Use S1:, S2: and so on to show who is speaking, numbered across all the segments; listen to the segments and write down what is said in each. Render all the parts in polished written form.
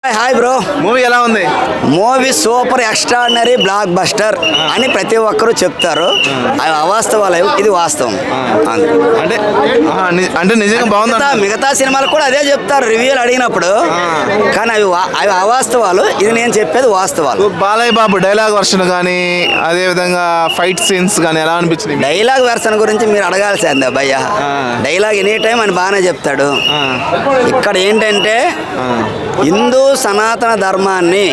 S1: Hi bro.
S2: Movie ఎలా ఉంది?
S1: Movie super extraordinary blockbuster అని ప్రతి ఒక్కరూ చెప్తారు. అవి అవాస్తవాలు, ఇది వాస్తవం.
S2: అంటే అంటే నిజంగా బాగుంది.
S1: మిగతా సినిమాలు కూడా అదే చెప్తారు రివ్యూలు అడిగినప్పుడు, కానీ అవి అవాస్తవాలు. ఇది నేను చెప్పేది వాస్తవాలు.
S2: బాలయ్య బాబు డైలాగ్ వర్షన్ కానీ అదే విధంగా ఫైట్ సీన్స్ కానీ ఎలా అనిపించింది?
S1: డైలాగ్ వెర్షన్ గురించి మీరు అడగాల్సిందే భయ్య. డైలాగ్ ఎనీ టైం అని బాగానే చెప్తాడు. ఇక్కడ ఏంటంటే హిందూ సనాతన ధర్మాన్ని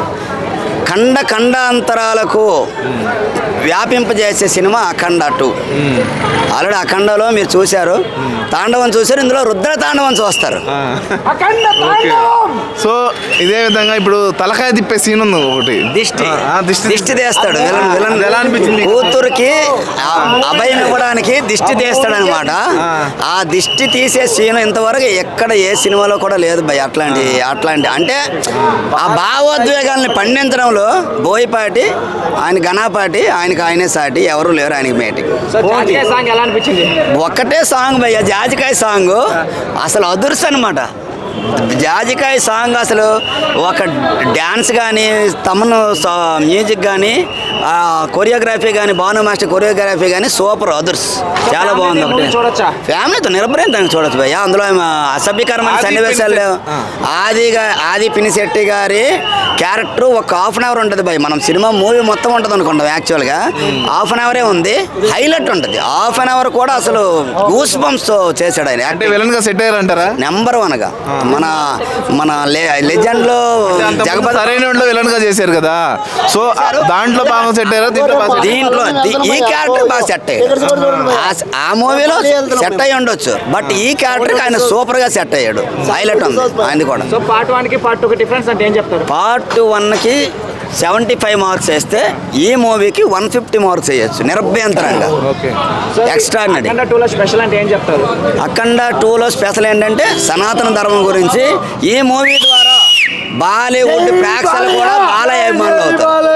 S1: ఖండాంతరాలకు వ్యాపింపజేసే సినిమా అఖండ 2. ఆల్రెడీ అఖండలో మీరు చూశారు, తాండవం చూశారు, ఇందులో రుద్ర తాండవం చూస్తారు.
S2: సో ఇదే విధంగా ఇప్పుడు తలకాయ తిప్పే సీన్ ఉంది ఒకటి, దిష్టి
S1: తీస్తాడు.
S2: ఎలా అనిపించింది?
S1: కూతురికి అభయం ఇవ్వడానికి దిష్టి తీస్తాడు అనమాట. ఆ దిష్టి తీసే సీన్ ఇంతవరకు ఎక్కడ ఏ సినిమాలో కూడా లేదు భయ్. అట్లాంటి అంటే ఆ భావోద్వేగాల్ని పండించడంలో బోయపాటి, ఆయన ఘనాపాటి, ఆయనే సాటి, ఎవరు లేరు ఆయనకి మేటింగ్. ఒక్కటే సాంగ్ భయ్య, జాజికాయ సాంగ్ అసలు అదుర్స్ అనమాట. జాజికాయ సాంగ్ అసలు ఒక డ్యాన్స్ కానీ, తమను మ్యూజిక్ కానీ, కొరియోగ్రఫీ కానీ, భాను మాస్టర్ కొరియోగ్రఫీ కానీ సూపర్ అదర్స్, చాలా బాగుంది. ఒకటి ఫ్యామిలీతో నిరభ్రయంతంగా చూడొచ్చు భయ్య. అందులో అసభ్యకరమైన సన్నివేశాలు లేవు. ఆది పినిశెట్టి గారి క్యారెక్టర్ ఒక హాఫ్ అన్ అవర్ ఉంటుంది భయ్. మనం సినిమా మూవీ మొత్తం ఉంటుంది అనుకుంటాం, యాక్చువల్గా హాఫ్ అన్ అవరే ఉంది. హైలైట్ ఉంటుంది హాఫ్ అన్ అవర్ కూడా. అసలు గూస్ బంప్స్ చేశాడు ఆయన.
S2: సెట్ అయ్యారంటారా?
S1: నెంబర్ 1గా మన లెజెండ్ లో
S2: జగపతి సరైన విలన్ గా చేశారు కదా. సో దాంట్లో బాగా సెట్ అయ్యారు.
S1: దీంట్లో ఈ క్యారెక్టర్ బాగా సెట్ అయ్యాడు. ఆ మూవీలో సెట్ అయ్యి ఉండొచ్చు, బట్ ఈ క్యారెక్టర్ ఆయన సూపర్ గా సెట్ అయ్యాడు. హైలైట్ ఉంది ఆయన కూడా.
S3: పార్ట్ 1 కి పార్ట్ 2 కి డిఫరెన్స్ అంటే ఏం చెప్తారు?
S1: పార్ట్ 1కి 75 మార్క్స్ వేస్తే ఈ మూవీకి 150 మార్క్స్ వేయచ్చు నిరభ్యంతరంగా. ఎక్స్ట్రాడినరీ.
S3: అఖండ 2 లో స్పెషల్ అంటే ఏం చెప్తారు?
S1: అఖండ 2లో స్పెషల్ ఏంటంటే సనాతన ధర్మం గురించి. ఈ మూవీ ద్వారా బాలీవుడ్ ప్రేక్షకులు కూడా బాలయ్య అభిమానులు అవుతారు.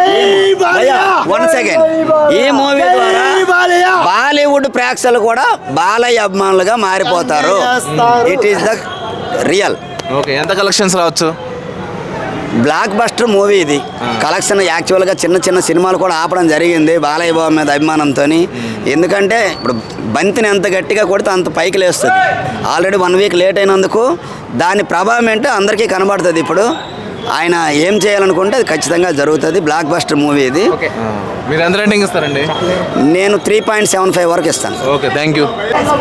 S1: వన్ సెకండ్, ఈ మూవీ ద్వారా బాలీవుడ్ ప్రేక్షకులు కూడా బాలయ్య అభిమానులుగా మారిపోతారు. It is the real.
S2: Okay, ఎంత కలెక్షన్స్ రావచ్చు?
S1: బ్లాక్ బస్టర్ మూవీ ఇది. కలెక్షన్ యాక్చువల్గా చిన్న సినిమాలు కూడా ఆపడం జరిగింది బాలయ్య బాబు మీద అభిమానంతో. ఎందుకంటే ఇప్పుడు బంతిని ఎంత గట్టిగా కొడితే అంత పైకి లేస్తుంది. ఆల్రెడీ 1 వీక్ లేట్ అయినందుకు దాని ప్రభావం ఏంటో అందరికీ కనబడుతుంది. ఇప్పుడు ఆయన ఏం చేయాలనుకుంటే అది ఖచ్చితంగా జరుగుతుంది. బ్లాక్ బస్టర్ మూవీ ఇది.
S2: మీరు ఎంత రేటింగ్ ఇస్తారండి?
S1: నేను 3.75 వరకు ఇస్తాను.
S2: Okay, thank you.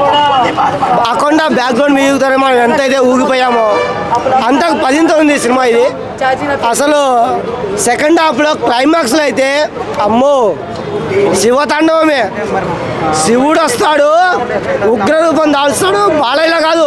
S4: Akhanda background music ద్వారా మనం ఎంతైతే ఊగిపోయామో అంత 10తో ఉంది సినిమా ఇది. అసలు సెకండ్ హాఫ్లో క్లైమాక్స్లో అయితే అమ్మో శివతాండవమే. శివుడు వస్తాడు, ఉగ్రరూపం దాల్స్తాడు. బాలయ్యలో కాదు,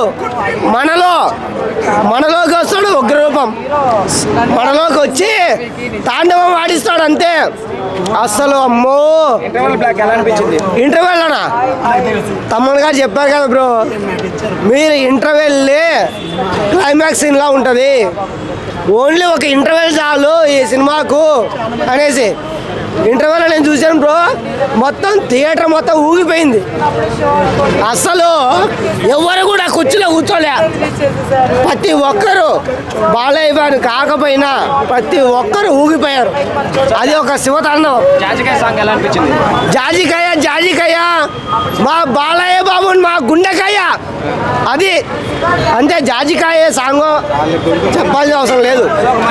S4: మనలోకి వస్తాడు ఉగ్రరూపం. మనలోకి వచ్చి తాండవం ఆడిస్తాడు అంతే. అసలు అమ్మో. ఇంటర్వెల్ అనా తమ్ముడు గారు చెప్పారు కదా బ్రో, మీరు ఇంటర్వెల్లే క్లైమాక్స్ ఇలా ఉంటుంది. ఓన్లీ ఒక ఇంటర్వెల్ చాలు ఈ సినిమాకు అనేసి ఇంటర్వెల్ నేను చూశాను బ్రో. మొత్తం థియేటర్ మొత్తం ఊగిపోయింది. అసలు ఎవరు కూడా కుర్చీలో కూర్చోలే. ప్రతి ఒక్కరు బాలయ్య బాబు కాకపోయినా ప్రతి ఒక్కరు ఊగిపోయారు. అది ఒక శివతాండవం.
S3: జాజికాయ సాంగ్ ఎలా అనిపించింది?
S4: జాజికాయ మా బాలయ్య బాబు మా గుండెకాయ అది అంతే. జాజికాయ సాంగ్ చెప్పాల్సిన అవసరం లేదు.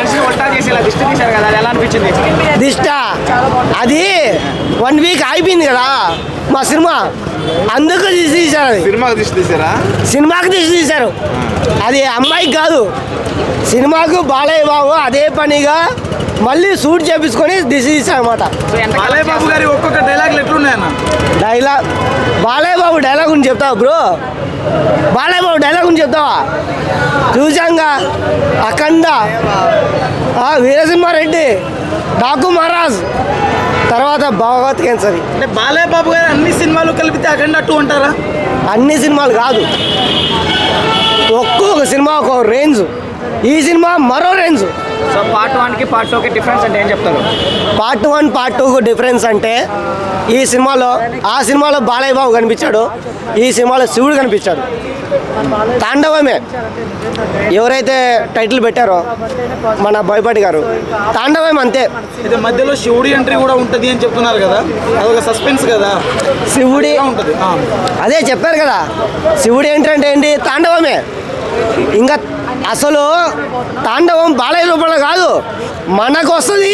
S4: దిష్ట అది 1 వీక్ అయిపోయింది కదా మా సినిమా, అందుకు తీశారు. సినిమాకి తీశారు. అది అమ్మాయికి కాదు, సినిమాకు బాలయ్య బాబు అదే పనిగా మళ్ళీ షూట్ చేపించుకొని తీశారు అనమాట.
S2: బాలయ్య బాబు గారి ఒక్కొక్క డైలాగ్ ఎట్లున్నాయన్న?
S4: బాలయ్య బాబు డైలాగ్ గురించి చెప్తావా బ్రో? బాలయ్య బాబు డైలాగ్ గురించి చెప్తావా? చూసాంగా అఖండ, వీరసింహారెడ్డి, డాకు మహారాజ్, తర్వాత భగవత్ కేసరి.
S3: అంటే బాలయ్య బాబు గారు అన్ని సినిమాలు కలిపితే అఖండ 2 అంటారా?
S4: అన్ని సినిమాలు కాదు, ఒక్కొక్క సినిమా ఒక రేంజ్. ఈ సినిమా మరో రేంజ్.
S3: సో పార్ట్ 1కి పార్ట్ 2కి డిఫరెన్స్ అంటే ఏం చెప్తారు?
S4: పార్ట్ 1 పార్ట్ 2 డిఫరెన్స్ అంటే ఈ సినిమాలో ఆ సినిమాలో బాలయ్య బాబు కనిపించాడు, ఈ సినిమాలో శివుడు కనిపించాడు. తాండవమే ఎవరైతే టైటిల్ పెట్టారో మన బోయపాటి గారు, తాండవం అంతే.
S3: ఇది మధ్యలో శివుడి ఎంట్రీ కూడా ఉంటుంది అని చెప్తున్నారు కదా, అదొక సస్పెన్స్ కదా.
S4: శివుడి
S3: ఉంటుంది
S4: అదే చెప్పారు కదా, శివుడు ఏంటంటే ఏంటి, తాండవమే. ఇంకా అసలు తాండవం బాలయ్య రూపంలో కాదు, మనకు వస్తుంది.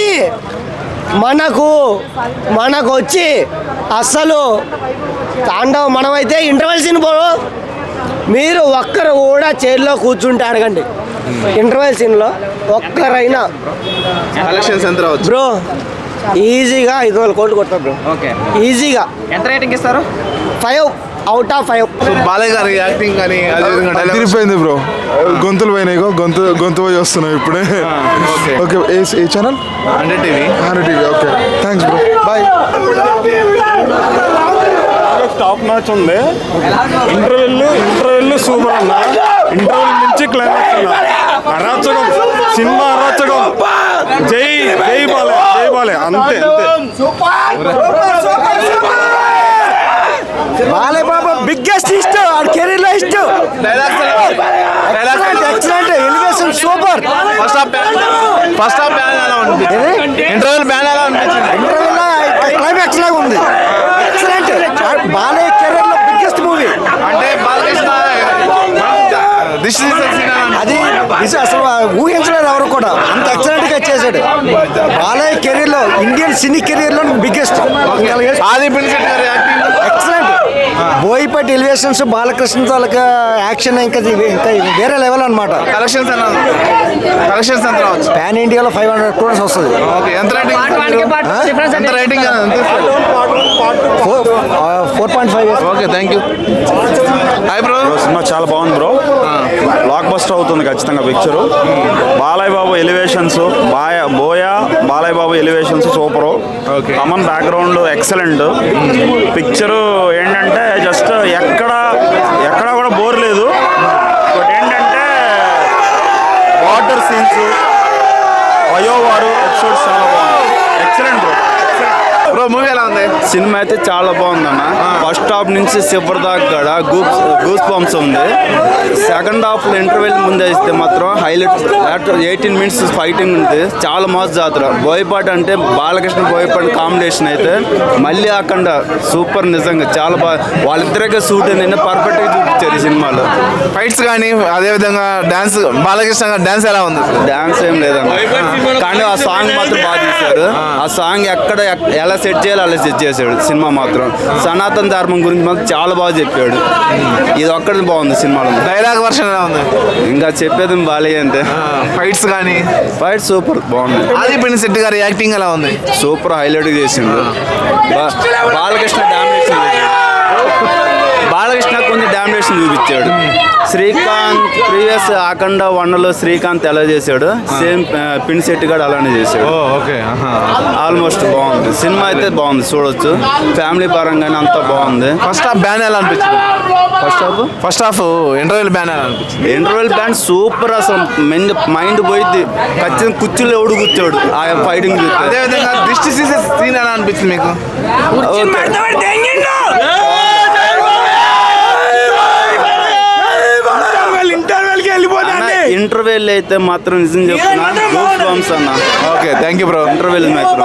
S4: మనకు వచ్చి అస్సలు తాండవం మనమైతే ఇంటర్వెల్ సీన్ పోరు, మీరు ఒక్కరు కూడా చైర్లో కూర్చుంటే అడగండి, ఇంటర్వెల్ సీన్లో ఒక్కరైనా
S2: కలెక్షన్స్ ఎంత రావచ్చు?
S4: బ్రో ఈజీగా 500 కోట్లు కొడతారు బ్రో,
S3: ఓకే.
S4: ఈజీగా.
S3: ఎంత రేటింగ్ ఇస్తారు?
S4: 5 అవుట్ ఆఫ్ 5.
S2: సో బాలయ్య గారి యాక్టింగ్ కానీ అదేవిధంగా dialogue-
S5: తిరిగిపోయింది బ్రో, గొంతులు పోయినాయి, గొంతు పోయి వస్తున్నాయి ఇప్పుడే.
S2: ఓకే.
S5: ఓకే, ఏ channel?
S2: 100 TV.
S5: TV. Okay, thanks bro, bye.
S6: Top match ఉంది. ఇంటర్వెల్ సూపర్ అన్న. ఇంటర్వెల్ నుంచి క్లైమాక్స్ అన్న, అరాచకం, సినిమా అరాచకం. జై జై బాలయ్య అంతే.
S4: Balayya Babu biggest hit career లో hit.
S2: Dialogues
S4: excellent elevation super.
S2: First half bang ఎలా అనిపించింది? ఇంటర్వెల్ బ్యాన్ ఎలా అనిపించింది?
S4: క్లైమాక్స్ లాగా ఉంది, ఎక్సలెంట్. బాలయ్య కెరీర్ లో బిగ్గెస్ట్ మూవీ
S2: అంటే బాలకృష్ణ దిస్ ఇస్
S4: అది. ఇది అసలు ఊహించలేదు ఎవరు కూడా, అంత ఎక్సలెంట్ గా చేశాడు. బాలయ్య కెరీర్ లో, ఇండియన్ సినీ కెరీర్ లో బిగ్గెస్ట్.
S2: ఆది పినిశెట్టి గారి acting
S4: excellent. Boyapati elevations, Balakrishna తాలూకా యాక్షన్ ఇంకా వేరే లెవెల్ అనమాట.
S2: కలెక్షన్స్ ఎంత రావచ్చు?
S4: పాన్ ఇండియాలో 500 crores వస్తుంది.
S2: ఓకే, ఎంత రేటింగ్?
S3: పార్ట్ 1కి పార్ట్ 2 డిఫరెన్స్
S2: ఎంత
S3: అంటే
S2: rating?
S4: 4.5.
S2: Okay, thank you. Hi bro.
S6: సినిమా చాలా బాగుంది బ్రో, బ్లాక్ బస్టర్ అవుతుంది ఖచ్చితంగా picture. Balayya Babu elevations, Balayya Babu elevations super.
S2: Okay.
S6: Common background excellent. Picture ఏంటంటే జస్ట్ ఎక్కడ కూడా బోర్ లేదు. బట్ ఏంటంటే వాటర్ సీన్స్, వయోవారు ఎపిసోడ్స్ చాలా బాగుంది. Excellent bro.
S2: బ్రో మూవీ ఎలా ఉంది?
S6: సినిమా అయితే చాలా బాగుందన్న. ఫస్ట్ హాఫ్ నుంచి చివరి దాకా కూడా గూస్ బంప్స్ ఉంది. సెకండ్ హాఫ్లో ఇంటర్వెల్ ముందే ఇస్తే మాత్రం హైలైట్. 18 minutes ఫైటింగ్ ఉంది, చాలా మస్తు జాతర. బోయపాటి అంటే బాలకృష్ణ బోయపాటి కాంబినేషన్ అయితే మళ్ళీ అక్కడ సూపర్. నిజంగా చాలా బాగా వాళ్ళిద్దరికే సూట్ అయింది, పర్ఫెక్ట్గా చూపించారు ఈ సినిమాలో.
S2: ఫైట్స్ కానీ అదేవిధంగా డాన్స్, బాలకృష్ణ డాన్స్ ఎలా ఉంది?
S6: డాన్స్ ఏం లేదన్న, కానీ ఆ సాంగ్ మాత్రం బాగా తీశారు. ఆ సాంగ్ ఎలా సెట్ చేయాలి అలా సెట్ చేశాడు. సినిమా మాత్రం సనాతన ధర్మం గురించి మాత్రం చాలా బాగా చెప్పాడు. ఇది ఒక్కటి బాగుంది సినిమాలో.
S2: డైలాగ్ వర్షన్ ఎలా ఉంది?
S6: ఇంకా చెప్పేది బాలయ్య అంటే
S2: ఫైట్స్ కానీ
S6: ఫైట్ సూపర్ బాగుంది.
S2: ఆది పినిశెట్టి గారి యాక్టింగ్ ఎలా ఉంది?
S6: సూపర్ హైలైట్ చేసిండు. బాలకృష్ణ డామినేషన్ బాలకృష్ణ కొంచెం డామినేషన్ చూపించాడు. శ్రీకాంత్ ప్రీవియస్ అఖండ 1లో శ్రీకాంత్ ఎలా చేశాడు, సేమ్ పినిశెట్టి గారు అలానే చేశాడు.
S2: ఓకే.
S6: ఆల్మోస్ట్ బాగుంది సినిమా అయితే, బాగుంది చూడొచ్చు. ఫ్యామిలీ పరంగానే అంతా బాగుంది.
S2: ఫస్ట్ హాఫ్ బ్యాన్ ఎలా అనిపించింది? ఫస్ట్ హాఫ్ ఇంటర్వెల్ బ్యాన్ ఎలా అనిపించింది?
S6: Interval band super. అసలు మైండ్ పోయింది. ఖచ్చితంగా కుర్చీలో ఎవడు కూర్చోడు ఆ ఫైటింగ్ చూస్తే.
S2: అదేవిధంగా దిష్టి తీసే సీన్ ఎలా అనిపించింది మీకు?
S6: ఇంటర్వెల్ అయితే మాత్రం నిజం చెప్తున్నా, గూస్ బంప్స్ అన్న.
S2: Okay, thank you bro.
S6: Interval మాత్రం